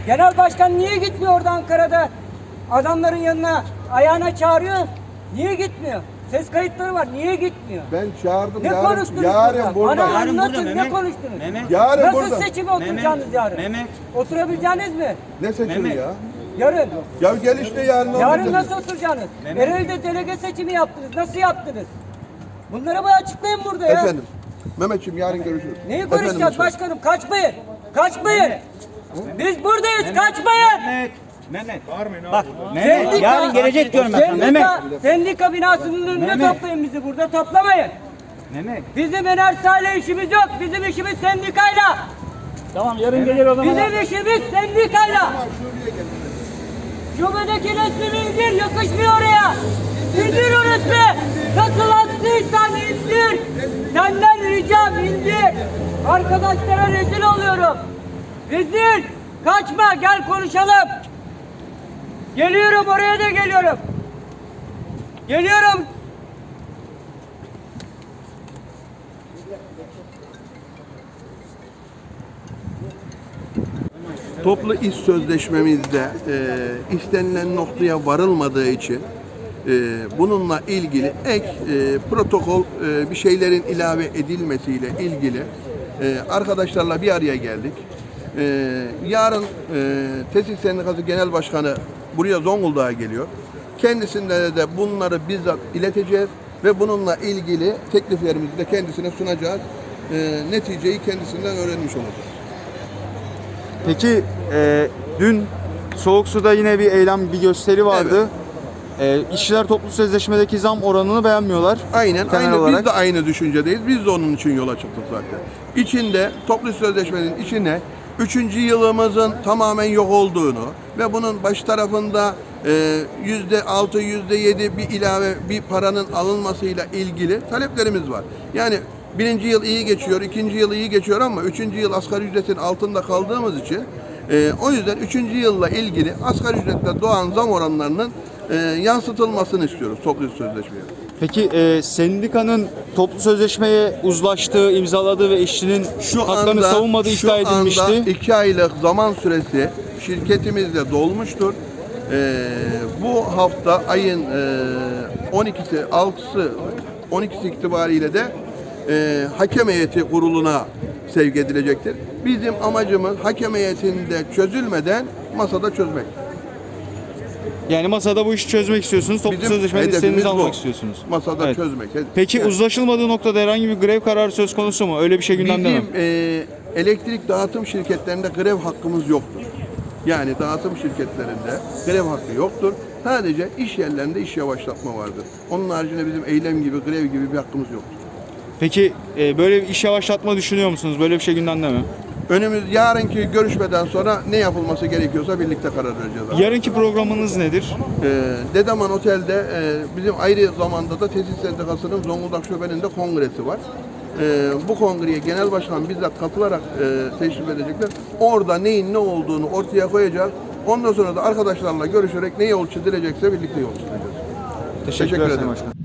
Genel başkan niye gitmiyor orada Ankara'da? Adamların yanına, ayağına çağırıyor. Niye gitmiyor? Ses kayıtları var. Niye gitmiyor? Ben çağırdım. Ne konuştunuz yarın burada. Bana Yarın anlatın, burada, ne Mehmet. konuştunuz? Mehmet. Yarın Nasıl burada. seçime oturacaksınız yarın? Mehmet. Oturabileceğiniz mi? Ne seçimi Mehmet. ya? Yarın. Ya gel işte yarın. Yarın anlatırız. nasıl oturacaksınız? Mehmet. Ereğli'de delege seçimi yaptınız. Nasıl yaptınız? Bunları bana açıklayın burada ya. Efendim. Mehmetciğim yarın görüşürüz. Neyi Efendim, konuşacağız lütfen. başkanım? Kaçmayın. Kaçmayın. Biz buradayız. Kaçmayın. Mehmet. Bak Mehmet Sendika- yarın gelecek diyorum ben sana. Mehmet. Sendika binasının önünde Mehmet. toplayın bizi burada. Toplamayın. Mehmet. Bizim enerjiyle işimiz yok. Bizim işimiz sendikayla. Tamam yarın gelir o zaman. Bizim işimiz sendikayla. Şubedeki resmini indir. Yakışmıyor oraya. İndir o resmi. Nasıl attıysan indir. Senden ricam indir. Arkadaşlara rezil oluyorum. Rezil. Kaçma gel konuşalım. Geliyorum oraya da geliyorum. Geliyorum. Toplu iş sözleşmemizde istenilen noktaya varılmadığı için bununla ilgili ek protokol bir şeylerin ilave edilmesiyle ilgili arkadaşlarla bir araya geldik. Yarın Tesis Sendikası Genel Başkanı buraya Zonguldak'a geliyor. Kendisine de bunları bizzat ileteceğiz ve bununla ilgili tekliflerimizi de kendisine sunacağız. Neticeyi kendisinden öğrenmiş olacağız. Peki dün Soğuk Su'da yine bir eylem, bir gösteri vardı. İşçiler toplu sözleşmedeki zam oranını beğenmiyorlar. Aynen, Genel aynı olarak. biz de aynı düşüncedeyiz. Biz de onun için yola çıktık zaten. İçinde toplu sözleşmenin içine 3. yılımızın tamamen yok olduğunu ve bunun baş tarafında %6, %7 bir ilave bir paranın alınmasıyla ilgili taleplerimiz var. Yani 1. yıl iyi geçiyor, 2. yıl iyi geçiyor ama 3. yıl asgari ücretin altında kaldığımız için o yüzden 3. yılla ilgili asgari ücretle doğan zam oranlarının yansıtılmasını istiyoruz toplu sözleşmeye. Peki sendikanın toplu sözleşmeye uzlaştığı, imzaladığı ve işçinin haklarını savunmadığı iddia edilmişti. Şu anda 2 aylık zaman süresi şirketimizde dolmuştur. Bu hafta ayın 12'si itibariyle de hakem heyeti kuruluna sevk edilecektir. Bizim amacımız hakem heyetinde çözülmeden masada çözmek. Yani masada bu işi çözmek istiyorsunuz. Toplu sözleşmenin hedefimiz istediğinizi bu. almak istiyorsunuz. Masada Evet. çözmek. Peki Yani uzlaşılmadığı noktada herhangi bir grev kararı söz konusu mu? Öyle bir şey gündemde mi? bizim elektrik dağıtım şirketlerinde grev hakkımız yoktur. Yani dağıtım şirketlerinde grev hakkı yoktur. Sadece iş yerlerinde iş yavaşlatma vardır. Onun haricinde bizim eylem gibi, grev gibi bir hakkımız yoktur. Peki böyle bir iş yavaşlatma düşünüyor musunuz? Böyle bir şey gündemde mi? Yarınki görüşmeden sonra ne yapılması gerekiyorsa birlikte karar vereceğiz. Yarınki programınız nedir? Dedeman Otel'de bizim ayrı zamanda da Tesis Sendikası'nın Zonguldak Şube'nin de kongresi var. Bu kongreye genel başkan bizzat katılarak teşrif edecekler. Orada neyin ne olduğunu ortaya koyacağız. Ondan sonra da arkadaşlarla görüşerek ne yol çizilecekse birlikte yol çizeceğiz. Teşekkürler ederim. Sayın Başkan.